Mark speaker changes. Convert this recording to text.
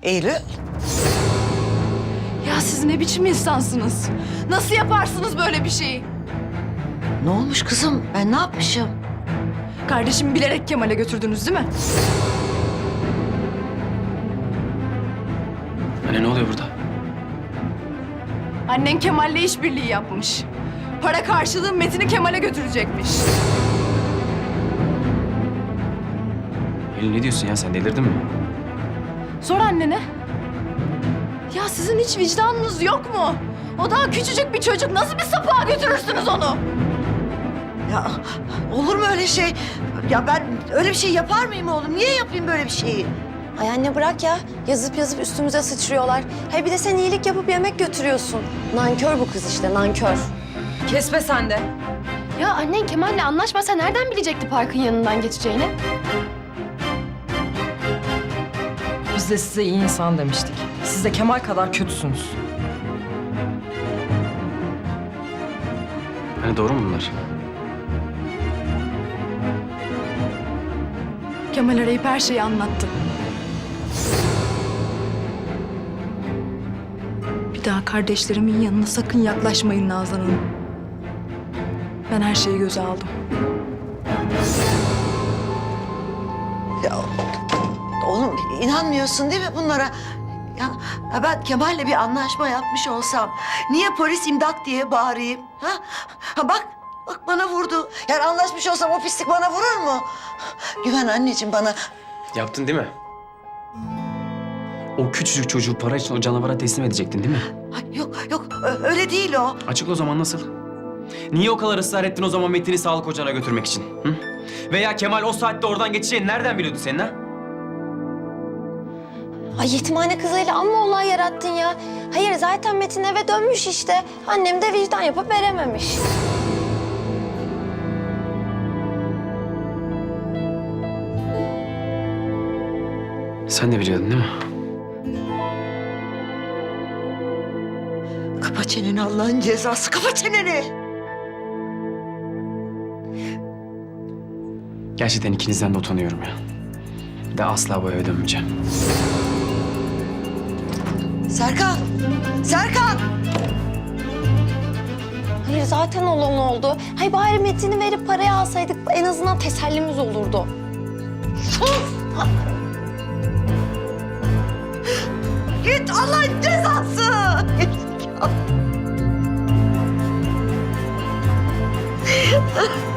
Speaker 1: Eylül.
Speaker 2: Ya siz ne biçim insansınız? Nasıl yaparsınız böyle bir şeyi?
Speaker 1: Ne olmuş kızım? Ben ne yapmışım?
Speaker 2: Kardeşimi bilerek Kemal'e götürdünüz değil mi?
Speaker 3: Anne ne oluyor burada?
Speaker 2: Annen Kemal'le işbirliği yapmış. Para karşılığı Metin'i Kemal'e götürecekmiş.
Speaker 3: Eylül ne diyorsun ya, sen delirdin mi?
Speaker 2: Sor annene. Ya sizin hiç vicdanınız yok mu? O daha küçücük bir çocuk. Nasıl bir sapığa götürürsünüz onu?
Speaker 1: Ya olur mu öyle şey? Ya ben öyle bir şey yapar mıyım oğlum? Niye yapayım böyle bir şeyi?
Speaker 4: Ay anne bırak ya. Yazıp yazıp üstümüze sıçrıyorlar. Hayır bir de sen iyilik yapıp yemek götürüyorsun. Nankör bu kız işte, nankör.
Speaker 5: Kesme sen de.
Speaker 4: Ya annen Kemal'le anlaşmasa nereden bilecekti parkın yanından geçeceğini?
Speaker 5: Biz de size iyi insan demiştik. Siz de Kemal kadar kötüsünüz.
Speaker 3: Hani doğru mu bunlar?
Speaker 2: Kemal arayıp her şeyi anlattı. Bir daha kardeşlerimin yanına sakın yaklaşmayın Nazan Hanım. Ben her şeyi göze aldım.
Speaker 1: Ya oğlum inanmıyorsun değil mi bunlara? Ya ben Kemal'le bir anlaşma yapmış olsam niye polis imdat diye bağırayım? Ha bak bana vurdu. Yani anlaşmış olsam o pislik bana vurur mu? Güven anneciğim bana.
Speaker 3: Yaptın değil mi? O küçücük çocuğu para için o canavara teslim edecektin değil mi?
Speaker 1: Ay, yok öyle değil o.
Speaker 3: Açıkla o zaman, nasıl? Niye o kadar ısrar ettin o zaman Metin'i sağlık ocağına götürmek için? Hı? Veya Kemal o saatte oradan geçeceğini nereden biliyordu senin ha?
Speaker 4: Ay yetimhane kızıyla amma olay yarattın ya. Hayır zaten Metin eve dönmüş işte. Annem de vicdan yapıp verememiş.
Speaker 3: Sen de biliyordun değil mi?
Speaker 1: Kapa çeneni Allah'ın cezası. Kapa çeneni.
Speaker 3: Gerçekten ikinizden de utanıyorum ya. Bir de asla bu eve dönmeyeceğim.
Speaker 1: Serkan. Serkan.
Speaker 4: Hayır zaten olan oldu. Hay bari Metin'i verip parayı alsaydık en azından tesellimiz olurdu.
Speaker 1: Git Allah'ın cezası. Gerizekalı.